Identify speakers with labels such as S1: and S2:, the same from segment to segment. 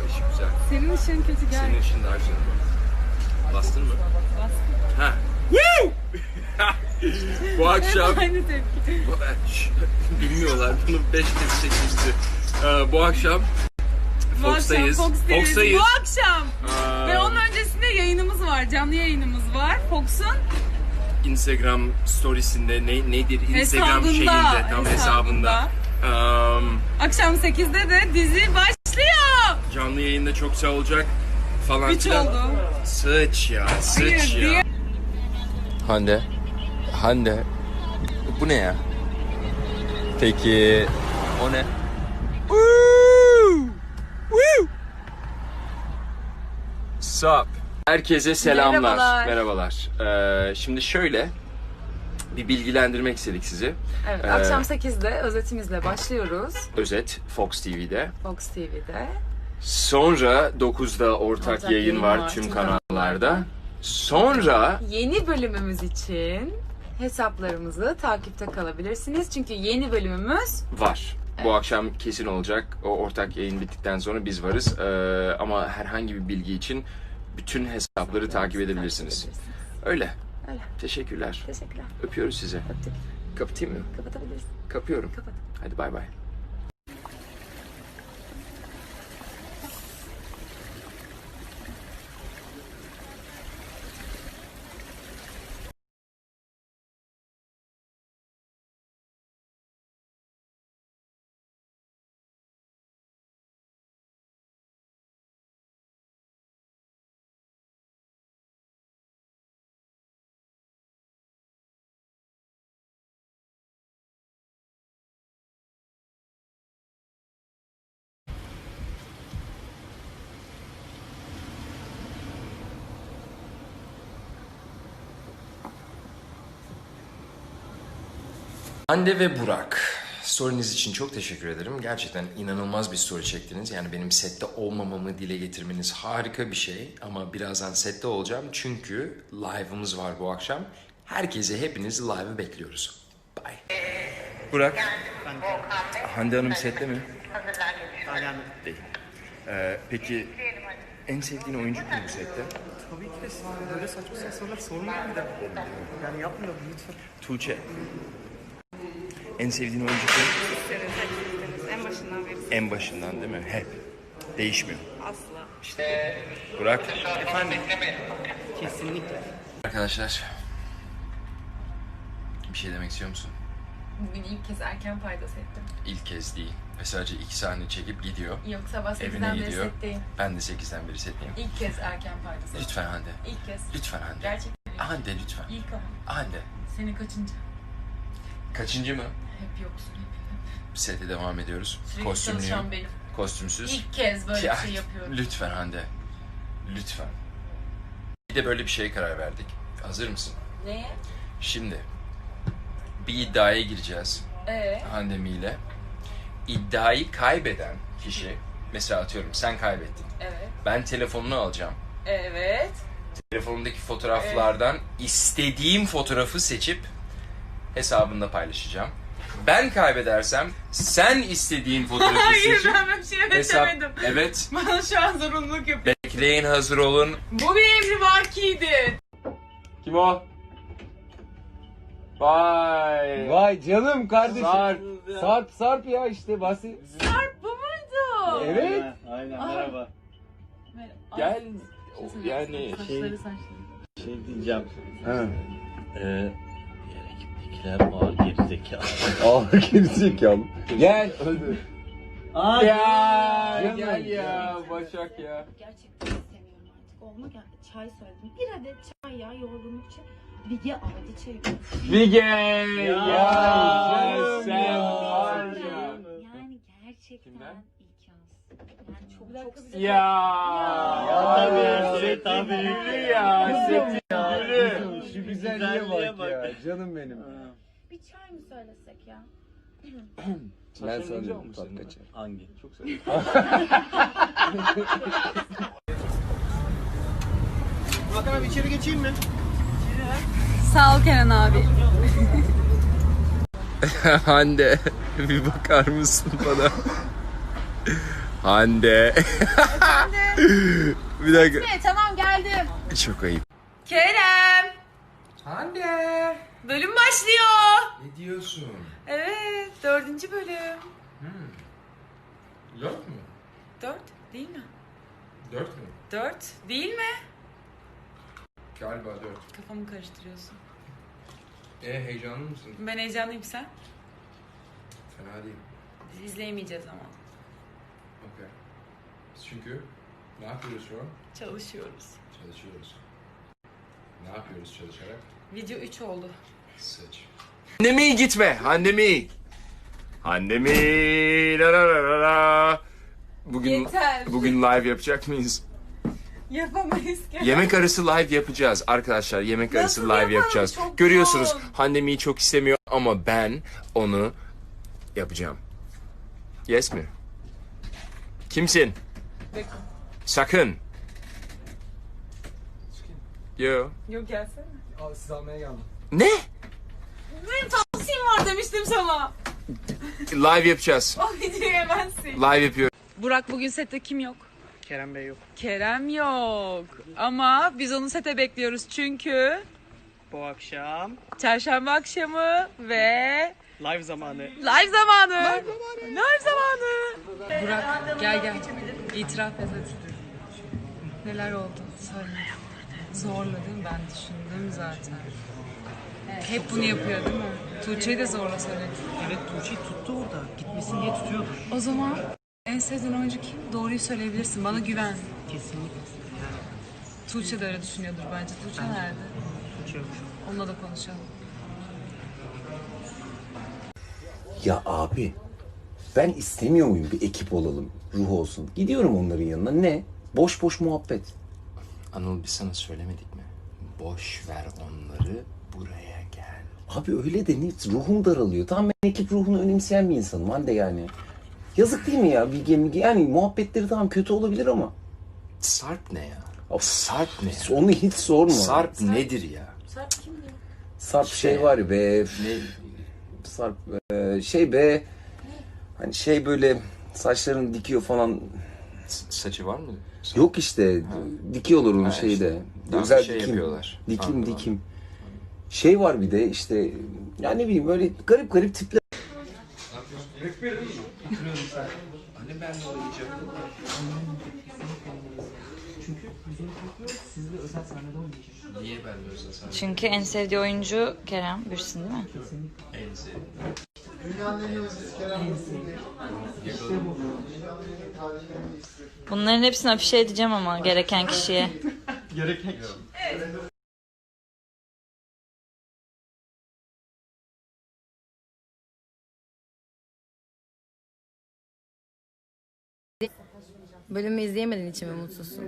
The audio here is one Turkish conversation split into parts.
S1: ışık güzel.
S2: Senin ışığın kötü gel.
S1: Senin ışığın daha güzel. Bastın mı?
S2: Bastım.
S1: Ha. Bu akşam...
S2: Hep aynı tepki.
S1: Bilmiyorlar bunu 5 kez çekmişti. Bu akşam Fox'tayız.
S2: Bu akşam. Ve onun öncesinde yayınımız var. Canlı yayınımız var. Fox'un
S1: Instagram storiesinde nedir? Instagram şeyinde tam hesabında.
S2: Akşam 8'de de dizi başlıyor.
S1: Canlı yayında çok güzel olacak falan
S2: 3
S1: filan.
S2: oldu.
S1: Sıç ya, sıç
S2: Hayır,
S1: ya. Hande. Bu ne ya? Peki o ne? Sup? Herkese selamlar. Merhabalar. Şimdi şöyle bir bilgilendirmek istedik sizi.
S2: Evet, akşam 8'de özetimizle başlıyoruz.
S1: Özet Fox TV'de.
S2: Fox TV'de.
S1: Sonra 9'da ortak yayın var tüm kanallarda. Sonra
S2: yeni bölümümüz için hesaplarımızı takipte kalabilirsiniz. Çünkü yeni bölümümüz
S1: var. Bu akşam kesin olacak. O ortak yayın bittikten sonra biz varız. Ama herhangi bir bilgi için bütün hesapları takip edebilirsiniz. Öyle. Teşekkürler. Öpüyoruz sizi.
S2: Öptük.
S1: Kapatayım mı?
S2: Kapatabilirsin.
S1: Kapıyorum.
S2: Kapat.
S1: Hadi bay bay. Hande ve Burak, story'niz için çok teşekkür ederim. Gerçekten inanılmaz bir story çektiniz. Yani benim sette olmamamı dile getirmeniz harika bir şey. Ama birazdan sette olacağım çünkü live'ımız var bu akşam. Herkese, hepinizi live'ı bekliyoruz. Bye. Burak, Hande Hanım sette mi?
S3: Hala
S1: Değil. Peki en sevdiğin oyuncu kim bu sette?
S3: tabii ki de böyle saçma sorular sormayın bir de. Yani yapmayalım lütfen.
S1: Tuğçe. En sevdiğin oyuncu kim?
S4: En başından beri
S1: En başından değil mi? Hep. Değişmiyor.
S4: asla.
S1: Burak.
S3: Efendim? Kesinlikle.
S1: Arkadaşlar. Bir şey demek istiyor musun?
S2: Bugün ilk kez erken paydos ettim.
S1: İlk kez değil. Ve sadece 2 sahne çekip gidiyor.
S2: Yok, sabah
S1: Evine
S2: 8'den beri
S1: gidiyor.
S2: setteyim.
S1: Ben de 8'den beri setteyim.
S2: İlk kez erken paydos ettim.
S1: Lütfen Hande.
S2: İlk kez.
S1: Lütfen Hande.
S2: Gerçekten ilk.
S1: Hande lütfen.
S2: İlk ama.
S1: Hande.
S2: Senin kaçıncı?
S1: Kaçıncı mı?
S2: Hep yoksun. Hep.
S1: Sete devam ediyoruz.
S2: Sürekli
S1: Kostümlüyüm.
S2: çalışan benim.
S1: Kostümsüz.
S2: İlk kez böyle
S1: Ya,
S2: bir şey yapıyorum.
S1: Lütfen Hande. Lütfen. Bir de böyle bir şeye karar verdik. Hazır mısın?
S2: Neye?
S1: Şimdi bir iddiaya gireceğiz. Handemi ile. İddiayı kaybeden kişi, mesela atıyorum sen kaybettin.
S2: Evet.
S1: Ben telefonunu alacağım.
S2: Evet.
S1: Telefonumdaki fotoğraflardan istediğim fotoğrafı seçip hesabında paylaşacağım. Ben kaybedersem sen istediğin fotoğrafı
S2: Hayır,
S1: seçip
S2: ben böyle bir şey öğretemedim.
S1: Evet.
S2: Bana şu an zorunluluk yapıyor.
S1: Bekleyin, hazır olun.
S2: Bu bir emrivakiydi.
S1: Kim o? Vay.
S5: Vay canım kardeşim.
S1: Sarp.
S5: Sarp ya işte basit.
S2: Sarp bu muydu?
S5: Evet.
S3: Aynen
S2: Ay.
S3: merhaba.
S1: Gel. Yani
S2: Saçları saçları.
S3: Şey diyeceğim.
S5: Ha.
S3: Diğer ekiptekiler ağır gerizekalı.
S5: Aa gerizekalı. Gel.
S3: Aa,
S1: gel ya Başak ya.
S4: Gerçekten istemiyorum artık. Olmak çay söyledim. Bir adet çay ya yorgunluk çay. Bilge aldı çayı.
S1: Vige.
S3: Ya,
S1: sen
S3: ya.
S1: var ya.
S4: Yani gerçekten
S1: Kimden?
S4: ilk yaz. Yani çok sıcak.
S1: Ya
S3: tabii, tabii.
S1: Gülü ya. Setin gülü.
S5: Şu güzelliğe bak ya. Canım benim.
S4: Bir çay mı söylesek ya?
S5: Ben sanıyorum tat kaçar.
S3: Hangi?
S1: Çok sevindim.
S3: Hakan abi içeri geçeyim mi?
S2: Sağ ol Kenan abi.
S1: Hande bir bakar mısın bana? Hande. Bir dakika.
S2: Tamam geldim.
S1: Çok ayıp.
S2: Kerem.
S1: Hande.
S2: Bölüm başlıyor.
S1: Ne diyorsun?
S2: Evet 4. bölüm.
S1: Dört mü?
S2: 4 değil mi?
S1: 4 mü?
S2: 4 değil mi?
S1: Galiba 4.
S2: Kafamı karıştırıyorsun.
S1: Heyecanlı mısın?
S2: Ben heyecanlıyım, sen?
S1: Fena değil.
S2: Biz izleyemeyeceğiz ama.
S1: Okey. Çünkü ne yapıyoruz şu an?
S2: Çalışıyoruz.
S1: Çalışıyoruz. Ne yapıyoruz çalışarak?
S2: Video 3 oldu.
S1: Saç. Annemi gitme. Annemi. Annemi. La la la la la. Bugün
S2: Yeter.
S1: bugün live yapacak mıyız?
S2: Yapamayız ki.
S1: Yemek arası live yapacağız arkadaşlar. Yemek arası live
S2: yapalım?
S1: yapacağız.
S2: Çok
S1: Görüyorsunuz
S2: zor.
S1: Handemi'yi çok istemiyor ama ben onu yapacağım. Yes mi? Kimsin?
S2: Bekle.
S1: Sakın. Yo.
S2: Yok gelsene.
S3: Abi sizi almaya geldim.
S1: Ne?
S2: Benim tavsiyem var demiştim sana.
S1: Live yapacağız.
S2: O videoyu yemezsin.
S1: Live yapıyor.
S2: Burak bugün sette kim yok?
S3: Kerem Bey yok.
S2: Kerem yok. Ama biz onu sete bekliyoruz çünkü
S3: Bu akşam
S2: çarşamba akşamı ve
S3: live zamanı.
S2: live zamanı. Live zamanı. Burak gel. İtiraf et hadi. Neler oldu? Söyle. Zorladım, ben düşündüm zaten. Hep bunu yapıyor değil mi? Tuğçe'yi de zorla söyledi.
S3: Evet, Tuğçe'yi tuttu orada. Gitmesin diye tutuyordu.
S2: O zaman en sevdiğin oyuncu kim? Doğruyu söyleyebilirsin. Bana güven.
S3: Kesinlikle. Yani
S2: Tuğçe de öyle düşünüyordur bence. Tuğçe nerede?
S3: Tuğçe yok.
S2: Onunla da konuşalım.
S5: Ya abi ben istemiyor muyum bir ekip olalım, ruh olsun. Gidiyorum onların yanına, ne? Boş boş muhabbet.
S1: Anıl biz sana söylemedik mi? Boş ver onları, buraya gel.
S5: Abi öyle de ne? Ruhum daralıyor. Tamam, ben ekip ruhunu önemseyen bir insanım Hande yani. Yazık değil mi ya Bilge? Yani muhabbetleri tamam kötü olabilir ama.
S1: Sarp ne ya?
S5: Of,
S1: Sarp ne ya?
S5: onu hiç sorma.
S1: Sarp nedir ya?
S5: Sarp şey var ya be.
S1: Ne?
S5: Sarp şey be. Hani şey böyle saçlarını dikiyor falan.
S1: Saçı var mı?
S5: Yok işte dikiyorlar onu
S1: Ha,
S5: şeyde.
S1: işte. Daha
S5: Özel
S1: bir şey
S5: dikim.
S1: yapıyorlar.
S5: Dikim
S1: Anladım.
S5: dikim. Şey var bir de işte ya ne bileyim öyle garip garip tipler.
S1: Hani ben de oynayacağım.
S3: Çünkü bizim korkuyoruz. Sizle özel sahnede oynayacağız.
S1: Niye ben de özel sahne?
S6: Çünkü en sevdiği oyuncu Kerem Bürsin değil mi?
S1: En sevdiğim.
S6: Bunların hepsini afişe edeceğim ama gereken kişiye.
S3: Gereken
S7: Bölümü izleyemediğin için mi mutsuzsun?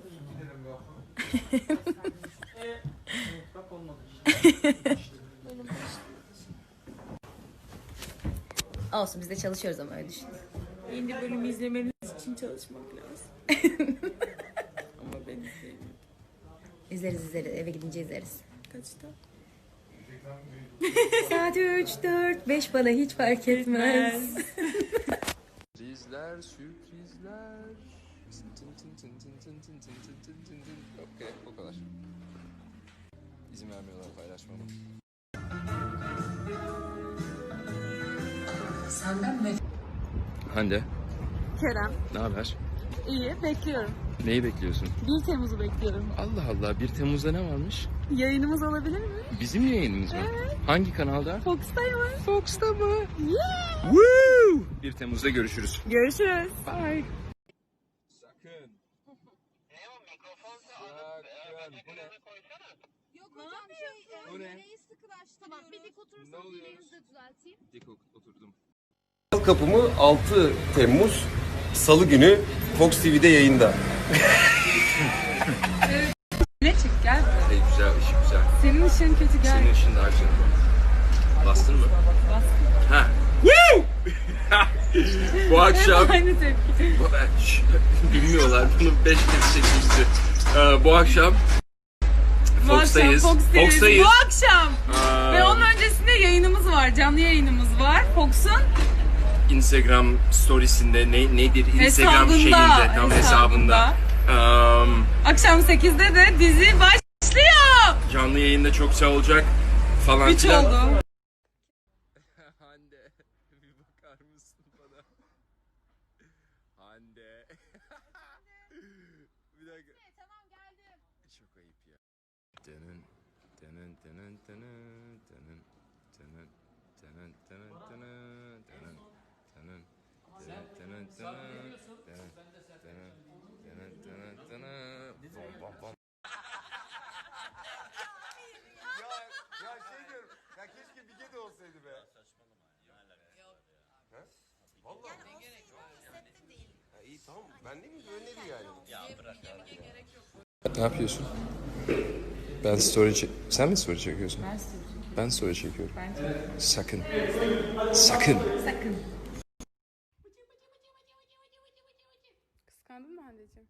S7: Olsun, biz de çalışıyoruz ama öyle düşün.
S2: Yeni bölümü izlemeniz için çalışmak lazım. Ama ben izleyemiyorum.
S7: İzleriz, eve gidince izleriz.
S2: Kaçta?
S7: Saat 3, 4, 5 bana hiç fark etmez.
S1: Sürprizler, sürprizler. Okey, o kadar. İzin vermiyorlar paylaşmama.
S2: Senden ne?
S1: Hande,
S2: Kerem.
S1: ne haber?
S2: İyi, bekliyorum.
S1: Neyi bekliyorsun?
S2: 1 Temmuz'u bekliyorum.
S1: Allah Allah, 1 Temmuz'da ne varmış?
S2: Yayınımız olabilir mi?
S1: Bizim yayınımız mı? Hangi kanalda?
S2: Fox'tayım.
S1: Fox'ta mı? Woo! 1 Temmuz'da görüşürüz.
S2: Görüşürüz.
S1: Bye. Sakın.
S4: Yok hocam
S1: Bu ne?
S4: nereyi sıkılaştı? Tamam bir dik oturursanız
S1: Ne oluyor?
S4: yüreğinizi de düzelteyim.
S1: Dik oturdum.
S5: Kapımı 6 Temmuz Salı günü Fox TV'de yayında.
S2: Ne çık gel.
S1: Güzel, ışık güzel.
S2: Senin ışığın kötü gel.
S1: Senin ışın daha güzel. Bastın mı? Bastım. Ha. Woo! Bu akşam...
S2: Aynı tepki.
S1: Bilmiyorlar. Bunu 5 kez çekmişti. Bu akşam Fox'tayız. Fox'tayız.
S2: Bu akşam. Ve onun öncesinde yayınımız var. Canlı yayınımız var. Fox'un
S1: Instagram storiesinde nedir Instagram şeyinde tam hesabında.
S2: Akşam 8'de de dizi başlıyor.
S1: Canlı yayında çok güzel olacak falan
S2: 3
S1: filan.
S2: oldu.
S1: Hande bir bakar mısın bana? Hande. Bir dakika.
S4: Tamam geldim.
S1: Çok ayıp ya. Dının dının dının dının dının dının dının dının dının dının dının dının dının dının bom bom bom.
S8: Ya şey diyorum, ya keşke Bige de olsaydı be. Saçmalama. Vallahi. Ne gerek var? Sette değil. Ya iyi tamam, ben de mi öneri yani? Ya bırak abi.
S1: Ne yapıyorsun? Ben story Sen mi story çekiyorsun? Ben story çekiyorum. Sakın. Sakın.
S2: Kıskandın mı Hande'cim?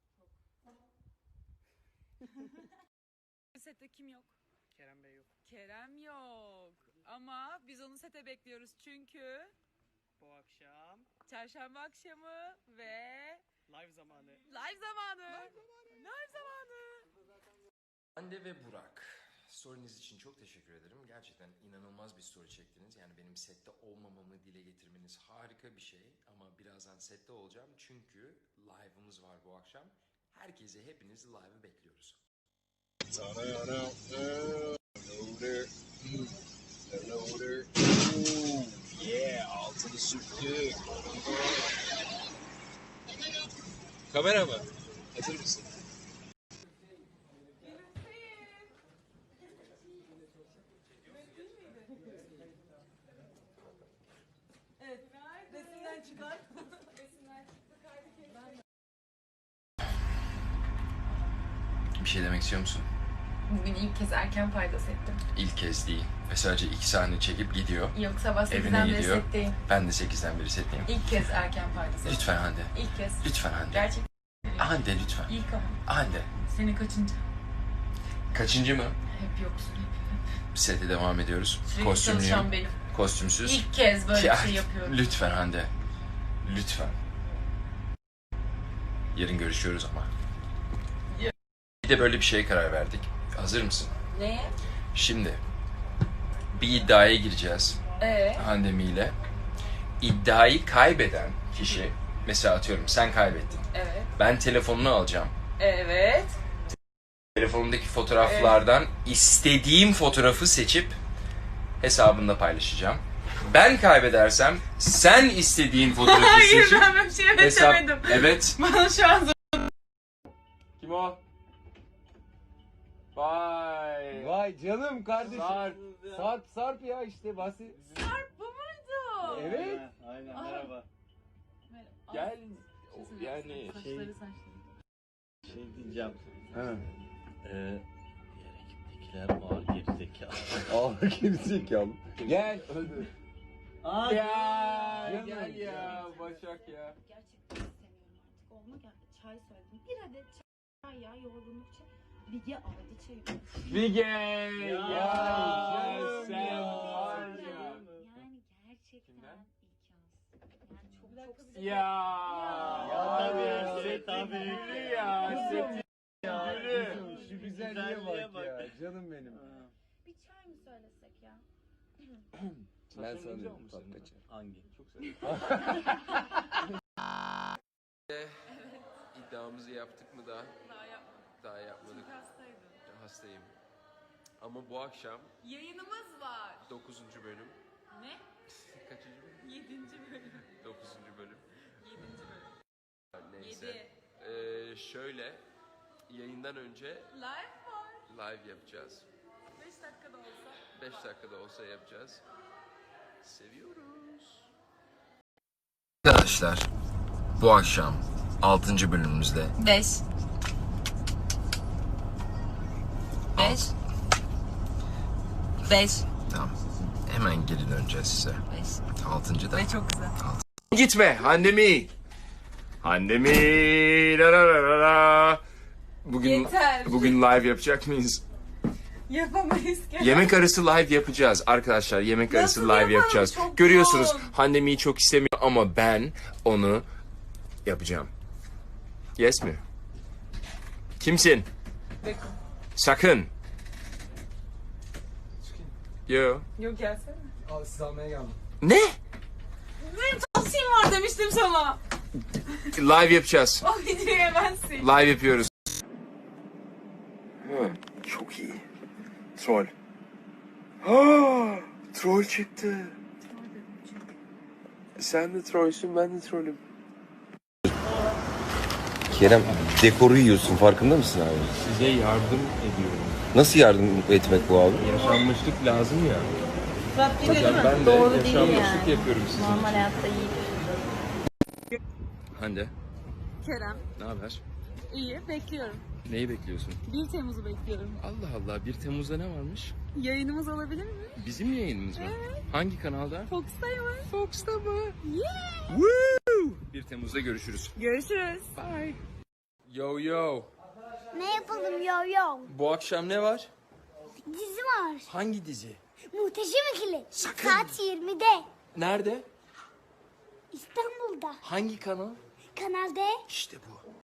S2: Sette kim yok?
S3: Kerem Bey yok.
S2: Kerem yok. Ama biz onu sete bekliyoruz çünkü
S3: Bu akşam
S2: çarşamba akşamı ve
S3: live zamanı.
S2: live zamanı. Live zamanı.
S1: Hande ve Burak, story'niz için çok teşekkür ederim. Gerçekten inanılmaz bir story çektiniz. Yani benim sette olmamamı dile getirmeniz harika bir şey. Ama birazdan sette olacağım çünkü live'ımız var bu akşam. Herkese hepiniz live'ı bekliyoruz.
S8: Altını sürttük. Kamera mı? Hazır mısın?
S1: Bir şey demek istiyor musun?
S9: Bugün ilk kez erken faydası ettim.
S1: İlk kez değil. Ve sadece 2 sahne çekip gidiyor.
S9: Yok sabah
S1: Evine
S9: 8'den beri
S1: gidiyor.
S9: setteyim.
S1: Ben de 8'den beri setteyim.
S9: İlk kez erken faydası ettim.
S1: Lütfen Hande.
S9: İlk kez.
S1: Lütfen Hande.
S9: Gerçekten
S1: Hande lütfen.
S9: ilk ama.
S1: Hande.
S9: Senin kaçıncı?
S1: Kaçıncı mı?
S9: Hep yoksun hep.
S1: Sete devam ediyoruz.
S9: Sürekli
S1: Kostümlüyüm.
S9: çalışan benim.
S1: Kostümsüz.
S9: İlk kez böyle bir şey yapıyorum.
S1: Lütfen Hande. Lütfen. Yarın görüşüyoruz ama. Bir de böyle bir şeye karar verdik. Hazır mısın?
S9: Neye?
S1: Şimdi bir iddiaya gireceğiz Handemi ile. İddiayı kaybeden kişi, mesela atıyorum sen kaybettin.
S9: Evet.
S1: Ben telefonunu alacağım.
S9: Evet.
S1: Telefonumdaki fotoğraflardan istediğim fotoğrafı seçip hesabında paylaşacağım. Ben kaybedersem sen istediğin fotoğrafı
S2: Hayır
S1: seçip
S2: ben böyle bir şey üretemedim.
S1: Evet.
S2: Bana şu an
S1: Kim o? Vay.
S5: Vay canım kardeşim. Sarp ya işte bahsi.
S2: bu muydu?
S5: Evet.
S3: Aynen merhaba.
S1: Gel. Yani
S2: Saçları.
S10: Şey diyeceğim.
S5: Ha.
S10: Diğer ekiptekiler var gerizekalı.
S5: Aa gerizekalı. Gel.
S10: Aa,
S1: Gel ya Başak ya.
S4: Gerçekten istemiyorum artık. Olma geldi. Çay söyledim. Bir adet çay ya yorgunluk için. Bige aldı çayı.
S1: Bige.
S10: Ya,
S1: sen
S10: var
S1: ya.
S4: Yani gerçekten
S1: Kimden?
S4: ilk yaz. Yani çok
S1: Ya.
S10: tabii, tabii.
S1: Gülü ya. Seti
S10: Ya,
S1: gülü.
S5: Şu güzelliğe bak ya. Canım benim.
S4: Bir çay mı söylesek ya?
S5: Ben sanıyorum tat kaçar.
S10: Hangi? Çok severim.
S1: İddiamızı yaptık mı daha?
S2: Daha yapmadım.
S1: Daha yapmadık.
S2: Çünkü hastaydım.
S1: Hastayım. Ama bu akşam
S2: Yayınımız var.
S1: 9. bölüm.
S2: Ne?
S1: Kaçıncı bölüm?
S2: 7. bölüm.
S1: 9. bölüm.
S2: 7. bölüm.
S1: Neyse.
S2: 7.
S1: Şöyle yayından önce
S2: Live var.
S1: live yapacağız.
S2: 5 dakikada olsa.
S1: 5 dakikada olsa yapacağız. Seviyoruz. Arkadaşlar bu akşam 6. bölümümüzde
S9: 5. 5.
S1: tamam. Hemen geri döneceğiz size. 6. da.
S2: Ve çok güzel.
S1: Gitme Handemi. Handemi. La la la la la. Bugün
S2: Yeter.
S1: bugün live yapacak mıyız?
S2: Yapamayız ki.
S1: Yemek arası live yapacağız arkadaşlar. Yemek arası
S2: Nasıl
S1: live
S2: yapalım?
S1: yapacağız.
S2: Çok
S1: Görüyorsunuz
S2: yoğun.
S1: Handemi'yi çok istemiyor ama ben onu yapacağım. Yes mi? Kimsin?
S2: Beko.
S1: Sakın. Yo.
S2: Yok gelsene.
S3: Abi sizi almaya geldim.
S1: Ne?
S2: Benim tavsiyem var demiştim sana.
S1: Live yapacağız.
S2: O videoyu hemen sil.
S1: Live yapıyoruz. Çok iyi. Troll. Troll çıktı. Sen de trollsün, ben de trollüm.
S5: Kerem dekoru yiyorsun farkında mısın abi?
S1: Size yardım ediyorum.
S5: Nasıl yardım etmek bu abi?
S1: Yaşanmışlık lazım ya. Ben de
S6: Doğru değil
S1: yaşanmışlık
S6: yani.
S1: yapıyorum sizin
S6: Normal
S1: için.
S6: hayatta iyi.
S1: Hande,
S2: Kerem.
S1: ne haber?
S2: İyi bekliyorum.
S1: Neyi bekliyorsun?
S2: 1 Temmuz'u bekliyorum.
S1: Allah Allah, 1 Temmuz'da ne varmış?
S2: Yayınımız olabilir mi?
S1: Bizim yayınımız mı? Hangi kanalda?
S2: Fox'tayım.
S1: Fox'ta mı?
S2: Yeah.
S1: Woo! 1 Temmuz'da görüşürüz.
S2: Görüşürüz.
S1: Bye. Yo yo.
S4: Ne yapalım yo yo?
S1: Bu akşam ne var?
S4: Dizi var.
S1: Hangi dizi?
S4: Muhteşem İkili.
S1: Sakın.
S4: Saat 20'de.
S1: Nerede?
S4: İstanbul'da.
S1: Hangi kanal?
S4: Kanal D.
S1: İşte bu.